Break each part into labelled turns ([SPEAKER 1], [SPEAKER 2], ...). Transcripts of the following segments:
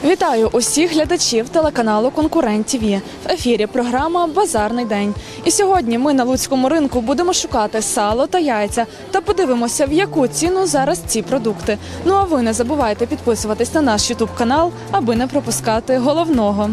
[SPEAKER 1] Вітаю усіх глядачів телеканалу «Конкурент ТВ». В ефірі програма «Базарний день». І сьогодні ми на Луцькому ринку будемо шукати сало та яйця та подивимося, в яку ціну зараз ці продукти. Ну а ви не забувайте підписуватись на наш ютуб-канал, аби не пропускати головного.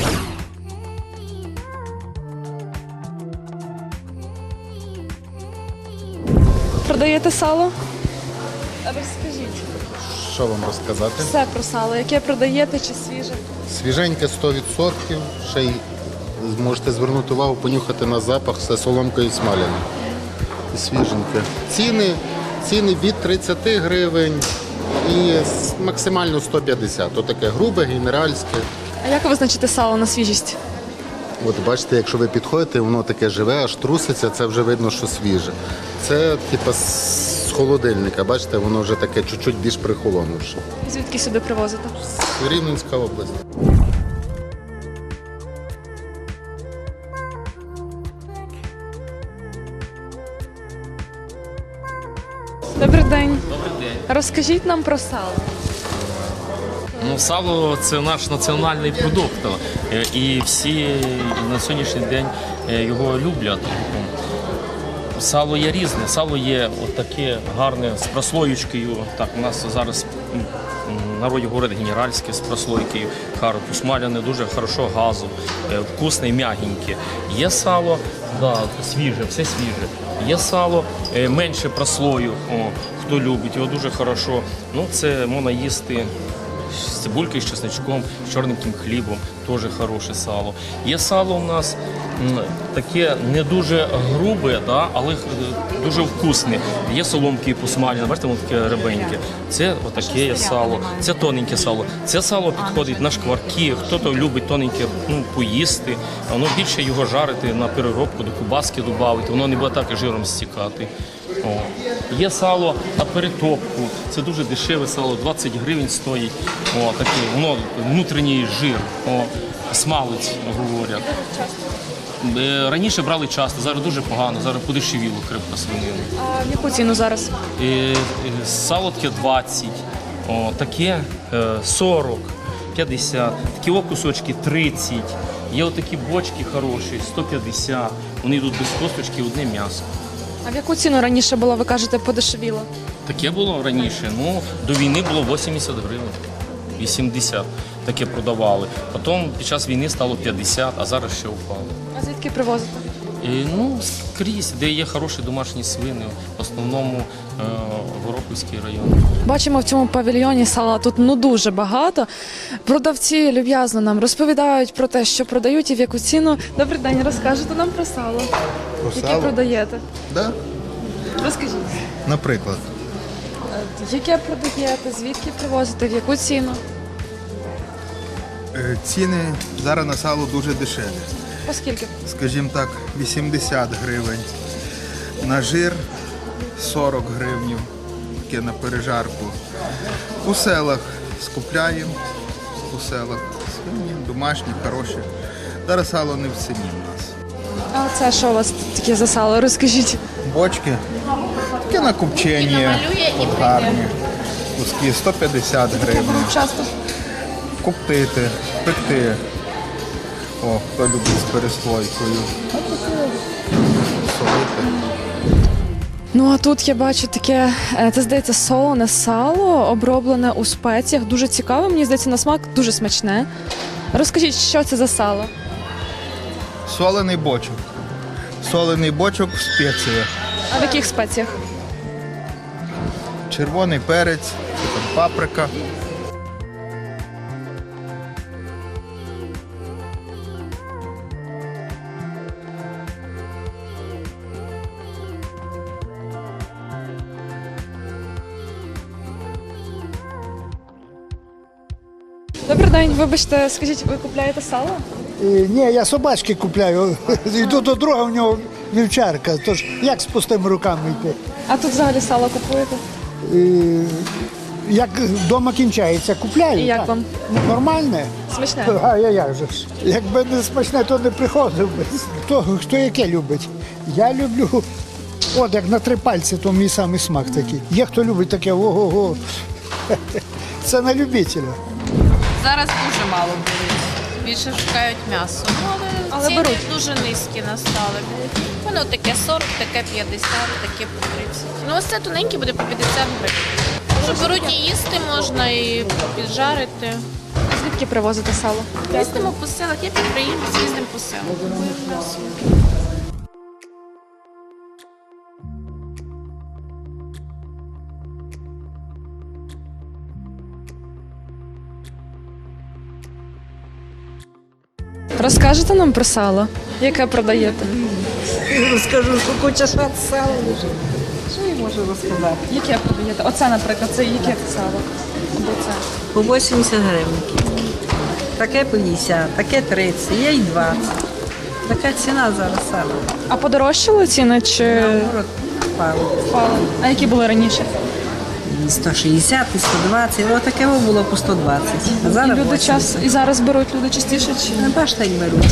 [SPEAKER 1] Продаєте сало? Розкажіть.
[SPEAKER 2] Що вам розказати?
[SPEAKER 1] Все про сало. Яке продаєте чи свіже?
[SPEAKER 2] Свіженьке 100%, ще й можете звернути увагу, понюхати на запах, все соломкою смаляне. І свіженьке. Ціни від 30 гривень і максимально 150. Отаке грубе, генеральське.
[SPEAKER 1] А як ви визначите сало на свіжість?
[SPEAKER 2] От бачите, якщо ви підходите, воно таке живе, аж труситься, це вже видно, що свіже. Це типу з холодильника, бачите, воно вже таке чуть-чуть більш прихолонувше.
[SPEAKER 1] Звідки сюди привозите?
[SPEAKER 2] Рівненська область.
[SPEAKER 1] Добрий день.
[SPEAKER 3] Добрий день.
[SPEAKER 1] Розкажіть нам про сало.
[SPEAKER 3] Сало – це наш національний продукт, і всі на сьогоднішній день його люблять. Сало є різне, сало є таке гарне з прослоєчкою. Так, у нас зараз в народі говорять генеральське з прослойкою, посмаляне, дуже хорошо газу, вкусне, м'ягеньке. Є сало, свіже, все свіже. Є сало менше прослою, хто любить, його дуже хорошо. Це можна їсти з цибулькою, з чесничком, з чорненьким хлібом, теж хороше сало. Є сало у нас таке не дуже грубе, але дуже вкусне. Є соломки посмаляне, бачите, воно таке ребеньке. Це отаке є сало, це тоненьке сало. Це сало підходить на шкварки, хтось любить тоненьке поїсти, воно більше його жарити на переробку, до кубаски додати, воно не буде так жиром стікати. Є сало на перетопку, це дуже дешеве сало, 20 гривень стоїть, воно внутрішній жир, смалець, говорять. Раніше брали часто, зараз дуже погано, зараз подешевіло крепко свинину.
[SPEAKER 1] А в яку ціну зараз?
[SPEAKER 3] Сало таке 20, таке 40, 50, такі кусочки 30, є отакі бочки хороші, 150, вони йдуть без косточки, одне м'ясо.
[SPEAKER 1] А в яку ціну раніше було, ви кажете, подешевіло?
[SPEAKER 3] Таке було раніше, до війни було 80 гривень, 80 таке продавали. Потім під час війни стало 50, а зараз ще впало.
[SPEAKER 1] А звідки привозите?
[SPEAKER 3] Скрізь, де є хороші домашні свини, в основному Горохівський район.
[SPEAKER 1] Бачимо в цьому павільйоні сала тут дуже багато. Продавці люб'язно нам розповідають про те, що продають і в яку ціну. Добрий день, розкажете нам про сало, яке продаєте?
[SPEAKER 2] Да?
[SPEAKER 1] Розкажіть.
[SPEAKER 2] Наприклад.
[SPEAKER 1] Яке продаєте, звідки привозите, в яку ціну?
[SPEAKER 4] Ціни зараз на сало дуже дешеві.
[SPEAKER 1] Оскільки?
[SPEAKER 4] Скажімо так, 80 гривень. На жир 40 гривень, таке на пережарку. У селах скупляємо, у селах свині, домашні, хороші. Зараз сало не в ціні в нас.
[SPEAKER 1] А це що у вас таке за сало? Розкажіть.
[SPEAKER 4] Бочки, таке на копчення, от гарні. Куски 150 гривень.
[SPEAKER 1] Часто.
[SPEAKER 4] Коптити, пекти. Хто любить з переслойкою. Солити.
[SPEAKER 1] Ну а тут я бачу таке, це здається солене сало, оброблене у спеціях. Дуже цікаве, мені здається, на смак дуже смачне. Розкажіть, що це за сало?
[SPEAKER 4] Солений бочок. Солений бочок в спеціях.
[SPEAKER 1] А в яких спеціях?
[SPEAKER 4] Червоний перець, паприка.
[SPEAKER 1] Добрий день, вибачте, скажіть, ви купляєте сало?
[SPEAKER 5] Ні, я собачки купляю. Йду до друга, в нього вівчарка. Тож як з пустими руками йти?
[SPEAKER 1] А тут взагалі сало купуєте?
[SPEAKER 5] Як вдома кінчається, купляю.
[SPEAKER 1] І як
[SPEAKER 5] так.
[SPEAKER 1] вам?
[SPEAKER 5] Нормальне?
[SPEAKER 1] Смачне?
[SPEAKER 5] А як же ж? Якби не смачне, то не приходив би. Хто яке любить? Я люблю, от як на 3 пальці, то мій самий смак такий. Є хто любить таке, ого-го. Це на любителя.
[SPEAKER 6] Зараз дуже мало беруть. Більше шукають м'ясо. Ну, але
[SPEAKER 1] Але
[SPEAKER 6] ціни
[SPEAKER 1] беруть.
[SPEAKER 6] дуже низькі настали. Воно таке 40, таке 50, таке по 30. Ну ось це тоненьке буде по 50 гривень. Що беруть і їсти можна, і піджарити.
[SPEAKER 1] Звідки привозите сало?
[SPEAKER 6] Їздимо по селах, я підприємець, їздимо по селах. Купуємо м'ясо.
[SPEAKER 1] Розкажете нам про сало, яке продаєте?
[SPEAKER 7] Розкажу, що куча шат сала лежить. Що я можу розказати?
[SPEAKER 1] Яке продаєте? Оце, наприклад, це яке сало? Або це.
[SPEAKER 7] По 80 гривень. Таке по 50, таке 30, є й 20. Така ціна зараз сала.
[SPEAKER 1] А подорожчали ціни чи
[SPEAKER 7] Наоборот, впало.
[SPEAKER 1] впали? А які були раніше?
[SPEAKER 7] І 160, і 120, ось таке було по 120. А
[SPEAKER 1] І
[SPEAKER 7] зараз
[SPEAKER 1] люди
[SPEAKER 7] 80.
[SPEAKER 1] час і зараз беруть люди частіше чи
[SPEAKER 7] Не бачите, як беруть.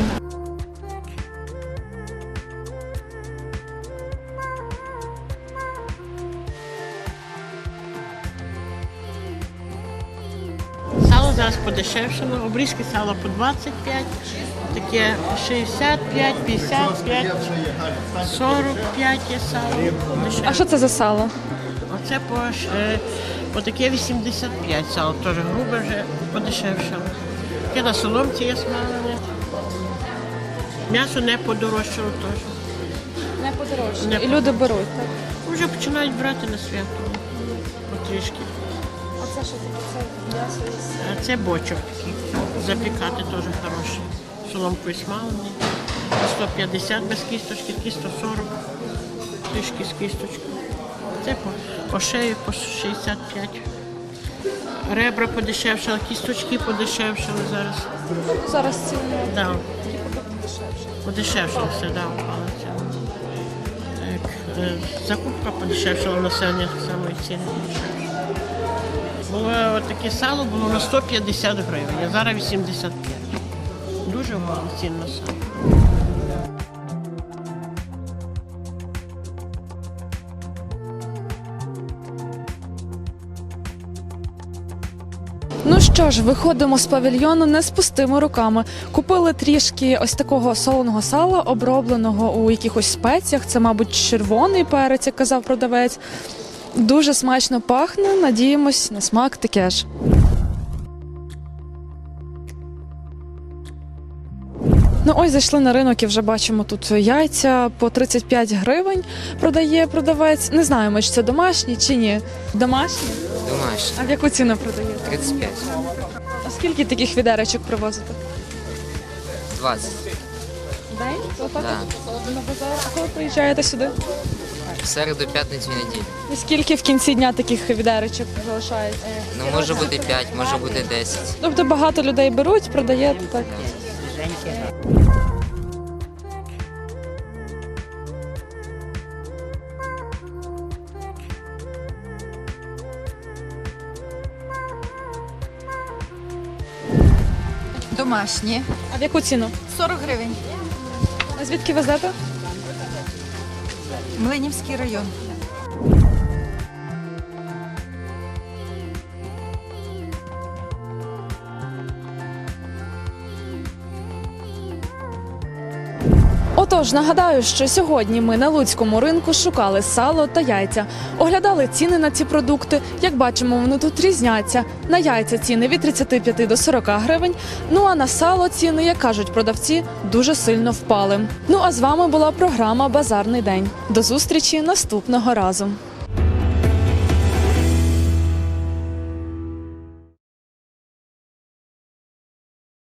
[SPEAKER 8] Сало зараз подешевшало, обрізки сала по 25, таке 65, 55, 45 є сало.
[SPEAKER 1] а що це за сало?
[SPEAKER 8] Оце по таке 85 сало, теж грубе вже подешевшало. Таке на соломці є смалене. М'ясо не подорожчало теж.
[SPEAKER 1] Не подорожчали.
[SPEAKER 8] Не
[SPEAKER 1] І люди беруть, так?
[SPEAKER 8] Вже починають брати на свято потрішки.
[SPEAKER 1] А це що таке? Це м'ясо
[SPEAKER 8] А це бочок такий. Запікати теж хороший. Соломкою смалений. 150 без кісточки, такі 140. Трішки з кісточкою. Це по шею по 65. Ребра подешевшали, кісточки подешевшали зараз.
[SPEAKER 1] зараз ціни.
[SPEAKER 8] Да. Подешевшало все, да, упало ціна. Так, закупка подешевшала, населення так само і ціни подешевшали. Було таке сало було на 150 гривень, а зараз 85. Дуже мало цін на сало.
[SPEAKER 1] Ну що ж, виходимо з павільйону не з пустими руками. Купили трішки ось такого солоного сала, обробленого у якихось спеціях. Це, мабуть, червоний перець, як казав продавець. Дуже смачно пахне, надіємось, на смак таке ж. Ну ось зайшли на ринок і вже бачимо тут яйця по 35 гривень продає продавець. Не знаємо, чи це домашні чи ні. Домашні?
[SPEAKER 9] Домашні.
[SPEAKER 1] А в яку ціну продаєте?
[SPEAKER 9] 35.
[SPEAKER 1] А скільки таких відеречок привозите?
[SPEAKER 9] 20.
[SPEAKER 1] День? Отак
[SPEAKER 9] Да.
[SPEAKER 1] от на базар. А коли приїжджаєте сюди?
[SPEAKER 9] В середу, п'ятницю, неділю.
[SPEAKER 1] І скільки в кінці дня таких відеречок залишається?
[SPEAKER 9] Ну, може бути 5, може бути 10.
[SPEAKER 1] Тобто багато людей беруть, продаєте так.
[SPEAKER 10] Домашні.
[SPEAKER 1] А в яку ціну?
[SPEAKER 10] 40 гривень.
[SPEAKER 1] А звідки везете?
[SPEAKER 10] Млинівський район.
[SPEAKER 1] Отож, нагадаю, що сьогодні ми на Луцькому ринку шукали сало та яйця. Оглядали ціни на ці продукти. Як бачимо, вони тут різняться. На яйця ціни від 35 до 40 гривень, ну а на сало ціни, як кажуть продавці, дуже сильно впали. Ну а з вами була програма «Базарний день». До зустрічі наступного разу.